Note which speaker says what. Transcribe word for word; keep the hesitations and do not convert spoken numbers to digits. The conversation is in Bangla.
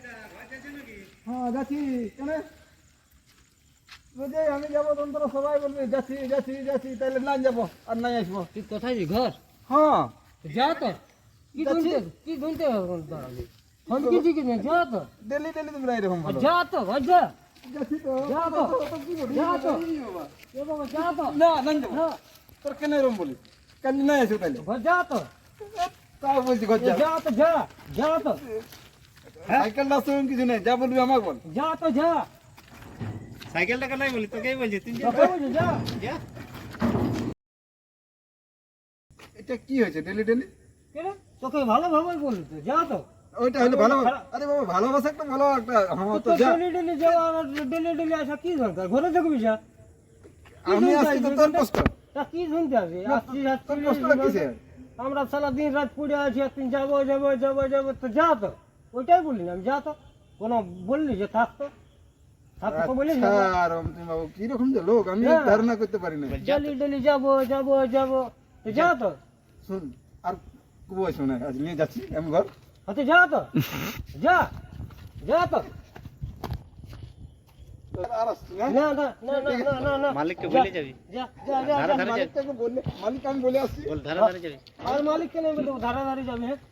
Speaker 1: হ্যাঁ যাচ্ছি কেন বুঝে আমি যাবো তোমরা সবাই বলবে যাচ্ছি যাচ্ছি যাচ্ছি তাহলে না যাবো আর নাই আসবো।
Speaker 2: তুই কোথায় যাবি ঘর?
Speaker 1: হ্যাঁ
Speaker 2: যা তো কি ধুনতে কি ধুনতে ফোন কি ঠিক না যা তো
Speaker 1: ডেলি ডেলি তোমরা এরকম ভালো
Speaker 2: যা তো ঘর যা
Speaker 1: যাচ্ছি তো
Speaker 2: যা তো যা তো এ বাবা যা তো
Speaker 1: না না যাবো
Speaker 2: না
Speaker 1: তোর কেন এরকম বলি কাল নাই আসো তাহলে
Speaker 2: ঘর যা তো
Speaker 1: তাও বলছি ঘর যা
Speaker 2: যা তো যা যা তো
Speaker 1: সাইকেল না শুন কিছু নেই যা বলবি আমাকে বল
Speaker 2: যা তো যা
Speaker 3: সাইকেলটা কেন বলি তোকেই বলছি তুই যা
Speaker 2: তোকে বলছি যা
Speaker 3: যা
Speaker 1: এটা কি হয়েছে ডেলি ডেলি
Speaker 2: কেন তোকে ভালো ভাবে বলি তো যা তো
Speaker 1: ওইটা হলো ভালো আরে বাবা ভালোবাসা একটা ভালো একটা হ্যাঁ তো
Speaker 2: তো
Speaker 1: যা
Speaker 2: ডেলি ডেলি যাওয়া আর ডেলি ডেলি আসা কি দরকার ঘরে দেখবি যা
Speaker 1: আমি আসছি তো তোর কষ্ট
Speaker 2: তা কি শুনতে আসি আসছি
Speaker 1: তোর কষ্টটা কিসে
Speaker 2: আমরা সারা দিন রাত পড়ে আছি আর তুই যাবো যাবো যাবো যাবো তো যা তো ওইটাই বলি না আমি যা তো কোনো বললি যে থাকতো থাকতো বলি না
Speaker 1: আর তুমি বাবু কি রকম যে লোক আমি
Speaker 2: হ্যাঁ।
Speaker 1: ধারণা করতে পারি না
Speaker 2: ডেলি ডেলি যাবো যাবো যাবো তো যা তো
Speaker 1: শুন আর বই শোনে আজ নিয়ে যাচ্ছি আমি ঘর
Speaker 2: আচ্ছা যা তো যা যা তো
Speaker 1: আর আসছি না
Speaker 2: না না না না না না না
Speaker 3: মালিককে বলে যাবি
Speaker 2: যা যা যা
Speaker 3: ধারে ধারে যাবি
Speaker 1: মালিকটাকে বললে মালিক আমি বলে আসছি
Speaker 3: বল ধারে ধারে যাবি
Speaker 2: আর মালিককে নেই বলতে ধারা ধারে যাবে হ্যাঁ